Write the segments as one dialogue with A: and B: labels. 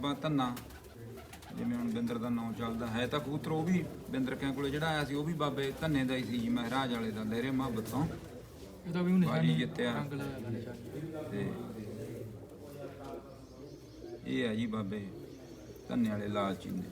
A: ਧੰਨਾ ਜਿਵੇਂ ਹੁਣ ਬਿੰਦਰ ਦਾ ਨਾਂ ਚੱਲਦਾ ਹੈ ਤਾਂ ਕਬੂਤਰ ਉਹ ਵੀ ਬਿੰਦਰ ਕਿਆਂ ਕੋਲੇ ਜਿਹੜਾ ਆਇਆ ਸੀ ਉਹ ਵੀ ਬਾਬੇ ਧੰਨੇ ਦਾ ਹੀ ਸੀ ਜੀ, ਮਹਾਰਾਜ ਵਾਲੇ ਦਾ, ਲਹਿਰੇ ਮੁਹੱਬਤ ਤੋਂ
B: ਇਹਦਾ ਵੀ ਨਿਸ਼ਾਨੀ
A: ਜਿੱਤਿਆ
B: ਰੰਗ ਲਾਇਆ ਨਿਸ਼ਾਨੀ।
A: ਤੇ ਇਹ ਹੈ ਜੀ ਬਾਬੇ ਧੰਨੇ ਵਾਲੇ ਲਾਲ ਚੀਨੇ।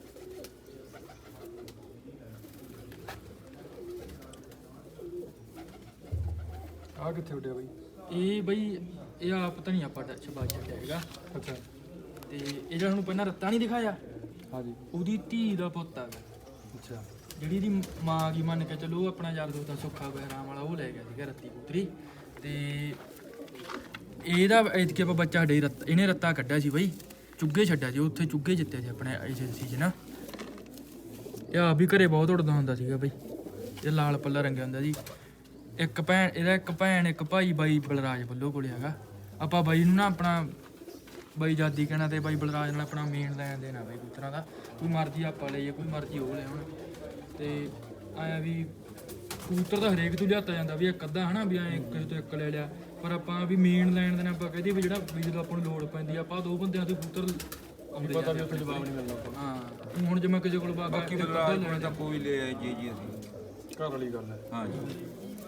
C: ਆ ਕਿੱਥੇ ਉੱਡਿਆ ਬਾਈ?
B: ਇਹ ਬਈ ਇਹ ਆਪ ਤਾਂ ਨਹੀਂ ਆਪਾਂ ਛਪਾ ਛੱਡਿਆ ਹੈਗਾ।
C: ਅੱਛਾ।
B: ਤੇ ਇਹ ਜਿਹੜਾ ਤੁਹਾਨੂੰ ਪਹਿਲਾਂ ਰੱਤਾ ਨਹੀਂ ਦਿਖਾਇਆ,
C: ਹਾਂਜੀ।
B: ਉਹਦੀ ਧੀ ਦਾ ਪੁੱਤ ਆ ਗਾ।
C: ਅੱਛਾ।
B: ਜਿਹੜੀ ਦੀ ਮਾਂ ਕੀ ਮੰਨ ਕੇ ਚਲੋ ਉਹ ਆਪਣਾ ਯਾਰ ਦੋਸਤ ਸੁੱਖਾ ਬਹਿਰਾਮ ਵਾਲਾ ਉਹ ਲੈ ਗਿਆ ਸੀਗਾ ਰੱਤੀ ਪੁੱਤਰੀ। ਤੇ ਇਹਦਾ ਐਤਕੀ ਆਪਾਂ ਬੱਚਾ ਸਾਡੇ ਇਹਨੇ ਰੱਤਾ ਕੱਢਿਆ ਸੀ ਬਈ, ਚੁੱਗੇ ਛੱਡਿਆ ਸੀ ਉੱਥੇ, ਚੁੱਗੇ ਜਿੱਤਿਆ ਸੀ ਆਪਣੇ ਏਜੰਸੀ 'ਚ ਨਾ। ਇਹ ਆਪ ਵੀ ਘਰੇ ਬਹੁਤ ਉੱਡਦਾ ਹੁੰਦਾ ਸੀਗਾ ਬਈ, ਇਹ ਲਾਲ ਪੱਲਾ ਰੰਗਿਆ ਹੁੰਦਾ ਜੀ। ਇੱਕ ਭੈਣ ਇਹਦਾ, ਇੱਕ ਭੈਣ ਇੱਕ ਭਾਈ ਬਾਈ ਬਲਰਾਜ ਵੱਲੋਂ ਕੋਲੇ ਹੈਗਾ। ਆਪਾਂ ਬਾਈ ਨੂੰ ਨਾ ਆਪਣਾ ਬਾਈ ਜਾਦੀ ਕਹਿਣਾ ਤੇ ਬਾਈ ਬਲਰਾਜ ਨਾਲ ਆਪਣਾ ਮੇਨ ਲੈਣ ਦੇਣਾ ਬਾਈ ਕਬੂਤਰਾਂ ਦਾ, ਕੋਈ ਮਰਜ਼ੀ ਆਪਾਂ ਲਈਏ ਕੋਈ ਮਰਜ਼ੀ ਉਹ ਲੈ ਹੁਣ। ਤੇ ਆਇਆ ਵੀ ਕਬੂਤਰ ਤਾਂ ਹਰੇਕ ਤੋਂ ਲਿਆਤਾ ਜਾਂਦਾ ਵੀ ਇੱਕ ਅੱਧਾ ਹਨਾ ਵੀ ਐਂ ਕਿਸੇ ਤੋਂ ਇੱਕ ਲੈ ਲਿਆ, ਪਰ ਆਪਾਂ ਵੀ ਮੇਨ ਲੈਣ ਦੇਣਾ ਆਪਾਂ ਕਹਦੇ ਵੀ ਜਿਹੜਾ ਵੀ ਜਦੋਂ ਆਪਾਂ ਨੂੰ ਲੋੜ ਪੈਂਦੀ ਆਪਾਂ ਦੋ ਬੰਦਿਆਂ ਤੋਂ ਕਬੂਤਰ ਆਉਂਦੇ
C: ਪਤਾ ਵੀ ਉੱਥੇ ਜਵਾਬ ਨਹੀਂ ਮਿਲਦਾ ਆਪਾਂ।
B: ਹਾਂ ਹੁਣ ਜਿਵੇਂ ਕਿਸੇ ਕੋਲ ਬਾਬਾ
A: ਬਾਕੀ ਬਲਰਾਜ ਕੋਲੇ ਤਾਂ ਕੋਈ ਲੈ ਆਏ ਜੀ ਅਸੀਂ,
C: ਘਰ ਵਾਲੀ ਗੱਲ ਹੈ।
A: ਹਾਂ ਜੀ।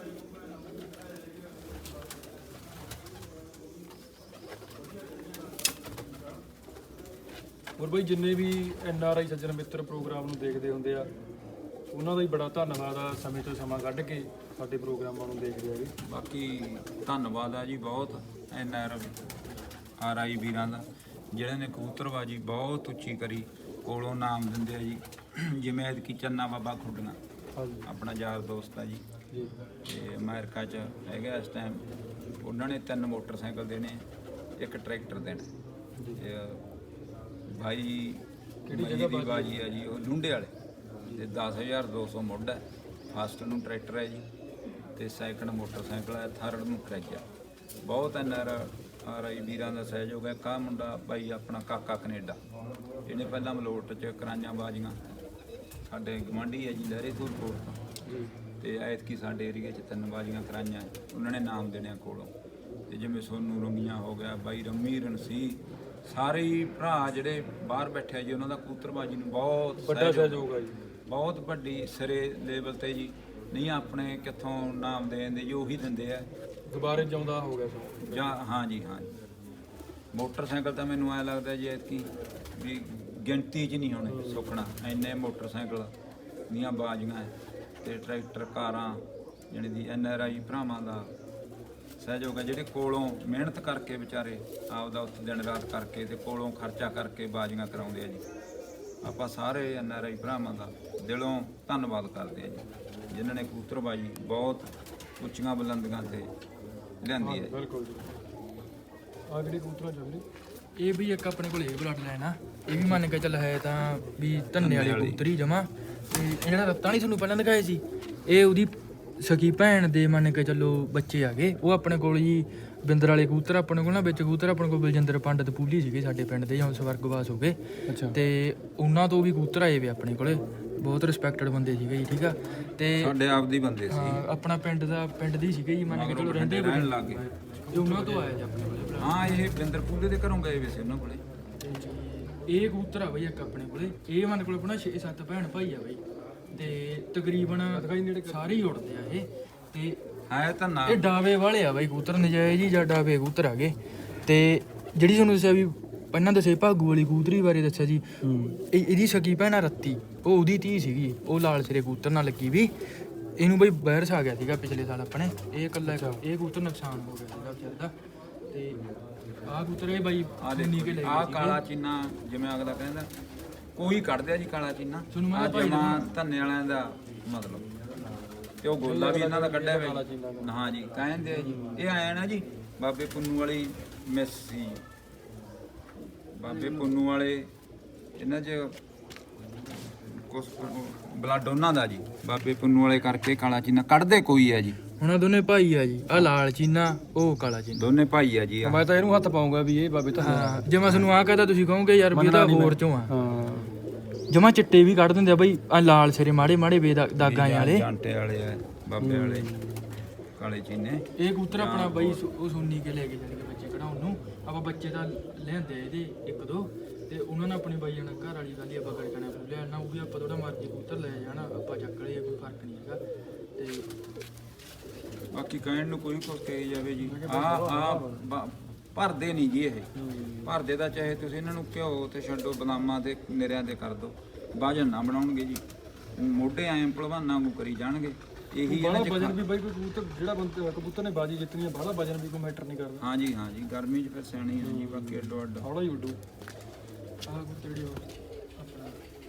C: ਹੋਰ ਬਾਈ ਜਿੰਨੇ ਵੀ NRI ਸੱਜਣ ਮਿੱਤਰ ਪ੍ਰੋਗਰਾਮ ਨੂੰ ਦੇਖਦੇ ਹੁੰਦੇ ਆ, ਉਹਨਾਂ ਦਾ ਹੀ ਬੜਾ ਧੰਨਵਾਦ ਆ, ਸਮੇਂ ਤੋਂ ਸਮਾਂ ਕੱਢ ਕੇ ਸਾਡੇ ਪ੍ਰੋਗਰਾਮਾਂ ਨੂੰ ਦੇਖਦੇ ਆ ਜੀ।
A: ਬਾਕੀ ਧੰਨਵਾਦ ਆ ਜੀ ਬਹੁਤ NRI ਵੀਰਾਂ ਦਾ, ਜਿਹੜੇ ਨੇ ਕਬੂਤਰਬਾਜੀ ਬਹੁਤ ਉੱਚੀ ਕਰੀ, ਕੋਲੋਂ ਨਾਮ ਦਿੰਦੇ ਆ ਜੀ। ਜਿਵੇਂ ਐਤਕੀ ਚੰਨਾ ਬਾਬਾ ਖੁੱਡੀਆਂ
C: ਹਾਂਜੀ
A: ਆਪਣਾ ਯਾਰ ਦੋਸਤ ਆ ਜੀ,
C: ਜੀ।
A: ਤੇ ਅਮਰੀਕਾ 'ਚ ਹੈਗਾ ਇਸ ਟਾਈਮ। ਉਹਨਾਂ ਨੇ 3 ਮੋਟਰਸਾਈਕਲ ਦੇਣੇ, 1 ਟਰੈਕਟਰ ਦੇਣਾ। ਤੇ ਭਾਈ ਕਿਹੜੀ ਜਗ੍ਹਾ ਦੀ ਬਾਜੀ ਹੈ ਜੀ, ਉਹ ਲੁੰਡੇ ਵਾਲੇ, ਤੇ 10,200 ਮੁੱਢ ਹੈ। ਫਸਟ ਨੂੰ ਟਰੈਕਟਰ ਹੈ ਜੀ, ਤੇ ਸੈਕੰਡ ਮੋਟਰਸਾਈਕਲ ਹੈ, ਥਰਡ ਨੂੰ ਕਰੈਜਾ। ਬਹੁਤ NRI ਵੀਰਾਂ ਦਾ ਸਹਿਯੋਗ ਹੈ। ਕਾ ਮੁੰਡਾ ਭਾਈ ਆਪਣਾ ਕਾਕਾ ਕੈਨੇਡਾ, ਇਹਨੇ ਪਹਿਲਾਂ ਮਲੋਟ 'ਚ ਕਰਾਈਆਂ ਬਾਜੀਆਂ, ਸਾਡੇ ਗਵਾਂਢੀ ਹੈ ਜੀ ਲਹਿਰੇ ਧੂਰਕੋਟ ਤੋਂ, ਤੇ ਐਤਕੀ ਸਾਡੇ ਏਰੀਏ 'ਚ 3 ਬਾਜੀਆਂ ਕਰਾਈਆਂ, ਉਹਨਾਂ ਨੇ ਨਾਮ ਦੇਣਿਆ ਕੋਲੋਂ। ਤੇ ਜਿਵੇਂ ਸੋਨੂ ਰੰਗੀਆਂ ਹੋ ਗਿਆ, ਬਾਈ ਰੰਮੀ ਰਣਸੀ, ਸਾਰੇ ਹੀ ਭਰਾ ਜਿਹੜੇ ਬਾਹਰ ਬੈਠੇ ਜੀ, ਉਹਨਾਂ ਦਾ ਕਬੂਤਰਬਾਜੀ ਨੂੰ ਬਹੁਤ
C: ਵੱਡਾ ਸਹਿਯੋਗ ਆ ਜੀ,
A: ਬਹੁਤ ਵੱਡੀ ਸਿਰੇ ਲੈਵਲ ਤੇ ਜੀ। ਨਹੀਂ ਆਪਣੇ ਕਿੱਥੋਂ ਨਾਮ ਦੇ ਦਿੰਦੇ ਜੀ, ਉਹੀ ਦਿੰਦੇ ਆ।
C: ਦੁਬਾਰੇ ਜਿਉਂਦਾ ਹੋ ਗਿਆ ਸੋ
A: ਜਾਂ ਹਾਂ ਜੀ ਹਾਂ ਜੀ। ਮੋਟਰਸਾਈਕਲ ਤਾਂ ਮੈਨੂੰ ਐਂ ਲੱਗਦਾ ਜੀ ਐਤਕੀ ਵੀ ਗਿਣਤੀ 'ਚ ਨਹੀਂ ਹੋਣੇ ਸੁੱਖਣਾ, ਇੰਨੇ ਮੋਟਰਸਾਈਕਲ ਦੀਆਂ ਬਾਜੀਆਂ ਹੈ, ਤੇ ਟਰੈਕਟਰ ਕਾਰਾਂ, ਜਾਣੀ ਦੀ NRI ਭਰਾਵਾਂ ਦਾ ਸਹਿਯੋਗ ਹੈ, ਜਿਹੜੇ ਕੋਲੋਂ ਮਿਹਨਤ ਕਰਕੇ ਵਿਚਾਰੇ ਆਪਦਾ ਉੱਥੇ ਦਿਨ ਰਾਤ ਕਰਕੇ ਤੇ ਕੋਲੋਂ ਖਰਚਾ ਕਰਕੇ ਬਾਜੀਆਂ ਕਰਾਉਂਦੇ ਆ ਜੀ। ਆਪਾਂ ਸਾਰੇ NRI ਭਰਾਵਾਂ ਦਾ ਦਿਲੋਂ ਧੰਨਵਾਦ ਕਰਦੇ ਆ ਜੀ, ਜਿਨ੍ਹਾਂ ਨੇ ਕਬੂਤਰਬਾਜੀ ਬਹੁਤ ਉੱਚੀਆਂ ਬੁਲੰਦੀਆਂ ਤੇ ਲਿਆਂਦੀ ਹੈ।
C: ਬਿਲਕੁਲ ਜੀ। ਆ ਜਿਹੜੀ ਕਬੂਤਰਾਂ ਚੱਲਦੀ
B: ਇਹ ਵੀ ਇੱਕ ਆਪਣੇ ਕੋਲ ਇਹ ਬਲੱਡ ਲਾਈਨ ਆ, ਇਹ ਵੀ ਮੰਨ ਕੇ ਚੱਲ ਹੈ ਤਾਂ ਵੀ ਧੰਨੇ ਵਾਲੀ ਕਬੂਤਰੀ ਜਮਾ। ਤੇ ਇਹ ਜਿਹੜਾ ਰੱਤਾ ਨਹੀਂ ਤੁਹਾਨੂੰ ਪਹਿਲਾਂ ਦਿਖਾਏ ਸੀ, ਇਹ ਉਹਦੀ ਸਕੀ ਭੈਣ ਦੇ ਮੰਨ ਕੇ ਚੱਲੋ ਬੱਚੇ ਆ ਗਏ। ਉਹ ਆਪਣੇ ਕੋਲ ਜੀ ਬਿੰਦਰ ਵਾਲੇ ਕਬੂਤਰ ਆਪਣੇ ਕੋਲ ਨਾ, ਵਿੱਚ ਕਬੂਤਰ ਆਪਣੇ ਕੋਲ ਬਲਜਿੰਦਰ ਪੰਡਤ ਪੂਲੀ ਸੀਗੇ ਸਾਡੇ ਪਿੰਡ ਦੇ, ਹੁਣ ਸਵਰਗਵਾਸ ਹੋ ਗਏ।
C: ਅੱਛਾ।
B: ਤੇ ਉਹਨਾਂ ਤੋਂ ਵੀ ਕਬੂਤਰ ਆਏ ਵੇ ਆਪਣੇ ਕੋਲੇ, ਬਹੁਤ ਰਿਸਪੈਕਟਡ ਬੰਦੇ ਸੀਗੇ ਜੀ, ਠੀਕ ਆ। ਤੇ
A: ਸਾਡੇ ਆਪਦੀ ਬੰਦੇ ਸੀ,
B: ਆਪਣਾ ਪਿੰਡ ਦੀ ਸੀਗੇ ਜੀ, ਮੰਨ ਕੇ ਚਲੋ ਰਹਿੰਦੇ
A: ਰਹਿਣ ਲੱਗ ਗਏ।
B: ਇਹ ਉਹਨਾਂ ਤੋਂ ਆਇਆ ਜੀ ਆਪਣੇ ਕੋਲੇ।
A: ਹਾਂ ਇਹ ਬਿੰਦਰ ਪੂਲੇ ਦੇ ਘਰੋਂ ਗਏ ਵੇ ਸੀ ਉਹਨਾਂ ਕੋਲੇ।
B: ਇਹ ਕਬੂਤਰ ਆ ਬਈ ਇੱਕ ਆਪਣੇ ਕੋਲੇ, ਇਹ ਮਨ ਕੋਲ ਆਪਣਾ 6-7 ਭੈਣ ਭਾਈ ਆ ਬਈ, ਤੇ ਤਕਰੀਬਨ ਸਾਰੇ ਹੀ ਉੜਦੇ ਆ ਇਹ। ਤੇ
A: ਹੈ ਤਾਂ ਨਾ
B: ਇਹ ਡਾਵੇ ਵਾਲੇ ਆ ਬਈ ਕਬੂਤਰ, ਨਜਾਇਜ਼ ਹੀ ਜਾਂ ਡਾਵੇ ਕਬੂਤਰ ਆ ਗਏ। ਤੇ ਜਿਹੜੀ ਤੁਹਾਨੂੰ ਦੱਸਿਆ ਵੀ ਪਹਿਲਾਂ ਦੱਸੇ ਭਾਗੂ ਵਾਲੀ ਕਬੂਤਰੀ ਬਾਰੇ ਦੱਸਿਆ ਜੀ, ਇਹਦੀ ਸਕੀ ਭੈਣਾ ਰੱਤੀ, ਉਹ ਉਹਦੀ ਧੀ ਸੀਗੀ, ਉਹ ਲਾਲ ਸਿਰੇ ਕਬੂਤਰ ਨਾਲ ਲੱਗੀ ਵੀ। ਇਹਨੂੰ ਬਈ ਵਾਇਰਸ ਆ ਗਿਆ ਸੀਗਾ ਪਿਛਲੇ ਸਾਲ ਆਪਣੇ, ਇਹ ਇਕੱਲਾ ਇਹ ਕਬੂਤਰ ਨੁਕਸਾਨ ਹੋ ਗਿਆ ਸੀਗਾ ਵਿਚਾਰੇ ਦਾ। ਤੇ ਆਹ ਕਬੂਤਰ ਇਹ ਬਾਈ ਨੀ ਕੇ ਲੈ ਗਏ
A: ਆਹ ਕਾਲਾ ਚੀਨਾ, ਜਿਵੇਂ ਅਗਲਾ ਕਹਿੰਦਾ ਕੋਈ ਕੱਢਦੇ ਆ ਜੀ ਕਾਲਾ ਚੀਨਾ, ਆ ਜਮਾ ਧੰਨੇ ਵਾਲਿਆਂ ਦਾ ਮਤਲਬ। ਤੇ ਉਹ ਗੋਲਾ ਵੀ ਇਹਨਾਂ ਦਾ ਕੱਢਿਆ ਹੋਇਆ। ਹਾਂ ਜੀ ਕਹਿੰਦੇ ਆ ਜੀ, ਇਹ ਆਇਆ ਨਾ ਜੀ ਬਾਬੇ ਪੁੰਨੂ ਵਾਲੀ ਮਿਸ ਸੀ, ਬਾਬੇ ਪੁੰਨੂ ਵਾਲੇ ਇਹਨਾਂ 'ਚ ਕੁਛ ਬਲੱਡ ਉਹਨਾਂ ਦਾ ਜੀ, ਬਾਬੇ ਪੁੰਨੂ ਵਾਲੇ ਕਰਕੇ ਕਾਲਾ ਚੀਨਾ ਕੱਢਦੇ ਕੋਈ ਆ ਜੀ।
B: ਹੁਣ ਆਹ ਦੋਨੇ ਭਾਈ ਆ ਜੀ, ਆਹ ਲਾਲ ਚੀਨਾ ਉਹ ਕਾਲਾ ਚੀਨਾ,
A: ਦੋਨੇ ਭਾਈ ਆ ਜੀ। ਆਹ
C: ਮੈਂ ਤਾਂ ਇਹਨੂੰ ਹੱਥ ਪਾਉਂਗਾ ਵੀ ਇਹ ਬਾਬੇ ਤਾਂ
B: ਹਾਂ, ਜੇ ਮੈਂ ਤੁਹਾਨੂੰ ਆਹ ਕਹਦਾ ਤੁਸੀਂ ਕਹੋਗੇ ਯਾਰ ਵੀ ਇਹਦਾ ਹੋਰ ਚੋਂ ਆ।
C: ਹਾਂ
B: ਜਮਾ ਚਿੱਟੇ ਵੀ ਕੱਢ ਦਿੰਦੇ ਆ ਬਈ, ਆ ਲਾਲ ਸਿਰੇ ਮਾੜੇ ਮਾੜੇ ਦਾਗਾਂ ਵਾਲੇ
A: ਜਾਂਟੇ ਵਾਲੇ ਆ, ਬਾਬੇ ਵਾਲੇ ਕਾਲੇ ਚੀਨੇ।
B: ਇਹ ਕਬੂਤਰ ਆਪਣਾ ਬਈ ਉਹ ਸੁੰਨੀ ਕੇ ਲੈ ਕੇ ਜਾਣਗੇ ਬੱਚੇ ਕਢਾਉਣ ਨੂੰ। ਆਪਾਂ ਬੱਚੇ ਤਾਂ ਲਿਆਂਦੇ ਇਹਦੇ 1-2, ਤੇ ਉਹਨਾਂ ਨਾਲ ਆਪਣੀ ਬਾਈ ਜਾਣਾ ਘਰ ਵਾਲੀ ਗੱਲ ਹੀ ਆਪਾਂ ਕਰ ਜਾਣਾ ਬੁੱਲਿਆ ਨਾ ਉਹ ਵੀ ਆਪਾਂ ਥੋੜਾ ਮਰਜ਼ੀ ਕਬੂਤਰ ਲੈ ਜਾਣਾ ਆਪਾਂ ਚੱਕ ਲਈਏ ਕੋਈ ਫਰਕ ਨਹੀਂ ਹੈਗਾ। ਤੇ
A: ਬਾਕੀ ਕਹਿਣ ਨੂੰ ਕੋਈ ਕੁਛ ਕਹੀ ਜਾਵੇ ਜੀ ਭਰਦੇ ਨਹੀਂ ਜੀ ਇਹ ਭਰਦੇ ਦਾ ਚਾਹੇ ਤੁਸੀਂ ਇਹਨਾਂ ਨੂੰ ਘਿਓ ਤੇ ਛੱਡੋ ਬਦਾਮਾਂ ਤੇ ਨਿਰਿਆਂ ਤੇ ਕਰ ਦਿਓ ਵਜਨ ਨਾ ਬਣਾਉਣਗੇ ਜੀ ਮੋਢੇ ਐਂ ਭਲਵਾਨਾਂ ਨੂੰ ਕਰੀ ਜਾਣਗੇ ਇਹੀ
C: ਬਾਹਲਾ
A: ਇਹਨਾਂ 'ਚ
C: ਵਜਨ ਵੀ ਬਾਈ ਕੋਈ ਕਬੂਤਰ ਜਿਹੜਾ ਬੰਦਾ ਕਬੂਤਰ ਨੇ ਬਾਜੀ ਜਿੱਤਣੀ ਹੈ ਬਾਹਲਾ ਵਜਨ ਵੀ ਕੋਈ ਮੈਟਰ ਨਹੀਂ ਕਰਦਾ।
A: ਹਾਂਜੀ ਹਾਂਜੀ ਗਰਮੀ 'ਚ ਫਿਰ ਸਿਆਣੀ ਹੈ ਜੀ ਬਾਕੀ ਅੱਡੋ ਅੱਡ
C: ਹੌਲਾ ਹੀ ਉੱਡੂ।
B: ਆਹ ਕਬੂਤਰ ਜਿਹੜੀ ਆਪਣਾ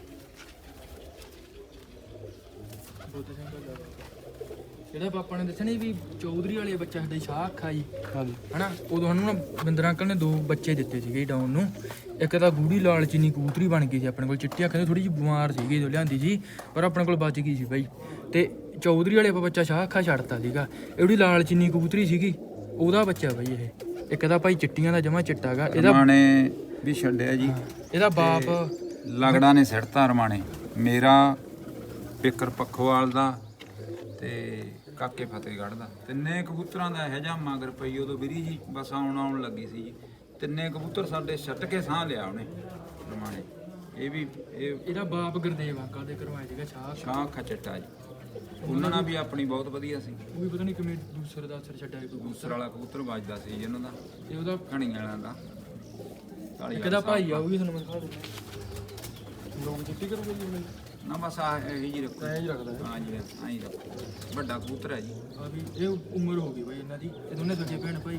B: ਬੋਤੇ ਸਿੰਘ ਦਾ ਜਿਹੜਾ ਪਾਪਾ ਨੇ ਦੱਸਿਆ ਨਹੀਂ ਵੀ ਚੌਧਰੀ ਵਾਲੇ ਬੱਚਾ ਸਾਡੇ ਸ਼ਾਹ ਅੱਖਾ ਜੀ
C: ਹਾਂਜੀ
B: ਹਨਾ ਉਦੋਂ ਸਾਨੂੰ ਨਾ ਬਿੰਦਰ ਅੰਕਲ ਨੇ 2 ਬੱਚੇ ਦਿੱਤੇ ਸੀਗੇ ਡਾਊਨ ਨੂੰ। ਇੱਕ ਤਾਂ ਗੂੜੀ ਲਾਲ ਚੀਨੀ ਕਬੂਤਰੀ ਬਣ ਗਈ ਸੀ ਆਪਣੇ ਕੋਲ ਚਿੱਟੀ ਅੱਖਾਂ ਦੀ ਥੋੜੀ ਜਿਹੀ ਬਿਮਾਰ ਸੀਗੀ ਜਦੋਂ ਲਿਆਂਦੀ ਸੀ ਪਰ ਆਪਣੇ ਕੋਲ ਬਚ ਗਈ ਸੀ ਬਾਈ। ਤੇ ਚੌਧਰੀ ਵਾਲੇ ਆਪਾਂ ਬੱਚਾ ਸ਼ਾਹ ਅੱਖਾ ਛੱਡਤਾ ਸੀਗਾ। ਇਹੜੀ ਲਾਲ ਚੀਨੀ ਕਬੂਤਰੀ ਸੀਗੀ ਉਹਦਾ ਬੱਚਾ ਬਾਈ ਇਹ। ਇੱਕ ਤਾਂ ਭਾਈ ਚਿੱਟੀਆਂ ਦਾ ਜਮਾ ਚਿੱਟਾ ਗਾ ਇਹਦਾ
A: ਰਮਾਣੇ ਵੀ ਛੱਡਿਆ ਜੀ
B: ਇਹਦਾ ਬਾਪ
A: ਲਗੜਾ ਨੇ ਸਿੱਟਤਾ ਰਮਾਣੇ ਮੇਰਾ ਪਿੱਕਰ ਪੱਖੋਵਾਲ ਦਾ ਤੇ ਕਾਕੇ ਫਤਿਹਗੜ੍ਹ ਦਾ ਤਿੰਨੇ ਕਬੂਤਰਾਂ ਦਾ ਇਹੋ ਜਿਹਾ ਮਗਰ ਪਈ ਉਦੋਂ ਵੀਰੀ ਜੀ ਬਸ ਆਉਣ ਲੱਗੀ ਸੀ ਜੀ ਤਿੰਨੇ ਕਬੂਤਰ ਸਾਡੇ ਛੱਟ ਕੇ ਸਾਹ ਲਿਆ ਉਹਨੇ ਰਮਾਣੇ ਇਹ ਵੀ
B: ਇਹਦਾ ਬਾਪ ਗੁਰਦੇਵ ਅੰਕਲ ਦੇ ਕਰਵਾਇਆ ਸੀਗਾ ਸ਼ਾਹ
A: ਸ਼ਾਹ ਖਚਟਾ ਜੀ ਉਹਨਾਂ ਨਾਲ ਵੀ ਆਪਣੀ ਬਹੁਤ ਵਧੀਆ ਸੀ
B: ਉਹ ਵੀ ਪਤਾ ਨਹੀਂ ਕਿਵੇਂ ਦੂਸਰੇ ਦਾ ਅਸਰ ਛੱਡਿਆ ਕੋਈ
A: ਦੂਸਰ ਵਾਲਾ ਕਬੂਤਰ ਵੱਜਦਾ ਸੀ ਜੀ ਇਹਨਾਂ ਦਾ
B: ਤੇ ਉਹਦਾ
A: ਘਣੀ ਵਾਲਿਆਂ ਦਾ
B: ਇੱਕ ਦਾ ਭਾਈ ਆ ਉਹ ਵੀ ਤੁਹਾਨੂੰ ਮੈਂ ਦਿਖਾ ਦੂੰਗਾ।
C: ਲੋਕ ਜਿੱਤੀ ਕਰੂਗੇ ਜੀ ਉਹਨੇ
A: ਨਾ ਬਸ ਆ ਇਹੀ ਜੀ ਰੱਖੋ
C: ਐਂ ਹੀ ਰੱਖਦਾ ਹੈ।
A: ਹਾਂ ਜੀ ਐਂ ਹੀ ਰੱਖੋ ਵੱਡਾ ਕਬੂਤਰ ਹੈ ਜੀ
B: ਆ ਵੀ ਇਹ ਉਮਰ ਹੋ ਗਈ ਬਾਈ ਇਹਨਾਂ ਦੀ ਇਹ ਦੋਨੇ ਸਕੇ ਭੈਣ ਭਾਈ।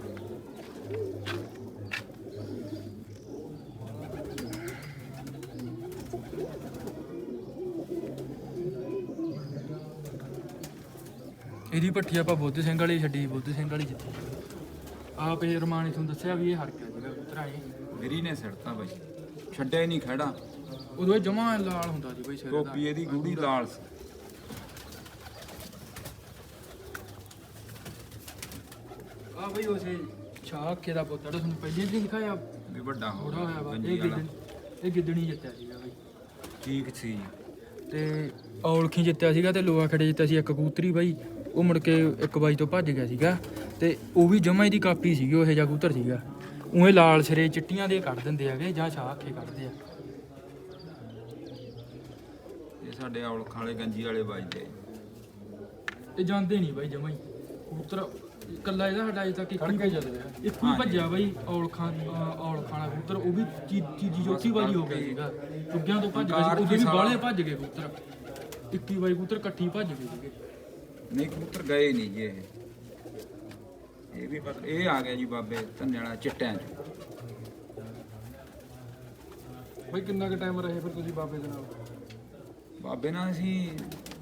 B: ਇਹਦੀ ਪੱਠੀ ਆਪਾਂ ਬੁੱਧ ਸਿੰਘ ਵਾਲੀ ਛੱਡੀ ਬੁੱਧ ਸਿੰਘ ਵਾਲੀ ਜਿੱਤੀ ਆਪ ਇਹ ਰਮਾਨ ਤੁਹਾਨੂੰ ਦੱਸਿਆ ਵੀ ਇਹ ਹਰ ਗਿਆ ਜਿਹੜਾ ਕਬੂਤਰ ਇਹ
A: ਵੀਰੀ ਨੇ ਸਿੱਟਤਾ ਬਾਈ ਛੱਡਿਆ ਹੀ ਨਹੀਂ ਖੜਾ
B: ਉਦੋਂ ਇਹ ਜਮਾ ਲਾਲ ਹੁੰਦਾ ਸੀ ਬਾਈ ਸਿਰ ਦਾ।
A: ਟੋਪੀ ਇਹਦੀ ਗੂੜੀ ਲਾਲ ਸੀ
B: ਆ ਬਈ ਉਸੇ ਛਾਕੇ ਦਾ ਪੁੱਤ ਜਿਹੜਾ ਤੁਹਾਨੂੰ ਪਹਿਲੇ ਦਿਨ ਦਿਖਾਇਆ
A: ਵੀ ਵੱਡਾ ਹੋ
B: ਥੋੜਾ ਹੋਇਆ ਵਾ
A: ਗੰਜੀ ਵਾਲਾ
B: ਇਹ ਗਿੱਦਣੀ ਜਿੱਤਿਆ ਸੀਗਾ ਬਈ।
A: ਠੀਕ ਸੀ
B: ਤੇ ਔਲਖੀ ਜਿੱਤਿਆ ਸੀਗਾ ਤੇ ਲੋਹਾ ਖੜੇ ਜਿੱਤਿਆ ਸੀ ਇੱਕ ਕਬੂਤਰੀ ਬਾਈ ਉਹ ਮੁੜ ਕੇ ਇੱਕ ਬਾਈ ਤੋਂ ਭੱਜ ਗਿਆ ਸੀਗਾ ਤੇ ਉਹ ਵੀ ਜਮਾ ਇਹਦੀ ਕਾਪੀ ਸੀਗੀ ਉਹ ਇਹੋ ਜਿਹਾ ਕਬੂਤਰ ਸੀਗਾ ਉਵੇਂ ਲਾਲ ਸਿਰੇ ਚਿੱਟੀਆਂ ਦੇ ਕੱਢ ਦਿੰਦੇ ਹੈਗੇ ਜਾਂ ਛਾਹ ਅੱਖੇ ਕੱਢਦੇ ਆ।
A: ਇਹ ਸਾਡੇ ਔਲਖਾਂ ਵਾਲੇ ਗੰਜੀ ਵਾਲੇ ਵੱਜਦੇ
B: ਇਹ ਜਾਂਦੇ ਨਹੀਂ ਬਾਈ ਜਮਾ ਹੀ ਕਬੂਤਰ ਇਕੱਲਾ ਇਹਦਾ ਸਾਡਾ ਅਜੇ ਤੱਕ
C: ਖੜ ਕੇ ਚੱਲ ਰਿਹਾ।
B: ਇੱਕੋ ਹੀ ਭੱਜਿਆ ਬਾਈ ਔਲਖਾਂ ਵਾਲਾ ਕਬੂਤਰ ਉਹ ਵੀ ਚੀਜੀ ਚੌਥੀ ਵਾਰੀ ਹੋ ਗਿਆ ਸੀਗਾ ਚੁੱਗਿਆਂ ਤੋਂ ਭੱਜ ਗਿਆ ਸੀ ਉਹਦੇ ਵੀ ਬਾਹਲੇ ਭੱਜ ਗਏ ਕਬੂਤਰ 21 ਬਾਈ ਕਬੂਤਰ ਇਕੱਠੀ ਭੱਜ ਗਏ ਸੀਗੇ।
A: ਨਹੀਂ ਕਬੂਤਰ ਗਏ ਨਹੀਂ ਜੀ ਇਹ ਵੀ ਪਤਾ ਇਹ ਆ ਗਿਆ ਜੀ ਬਾਬੇ ਧੰਨੇ ਵਾਲਾ ਚਿੱਟਿਆਂ 'ਚ
C: ਬਾਈ ਕਿੰਨਾ ਕੁ ਟਾਈਮ ਰਹੇ ਫਿਰ ਤੁਸੀਂ ਬਾਬੇ ਦੇ ਨਾਲ?
A: ਬਾਬੇ ਨਾਲ ਅਸੀਂ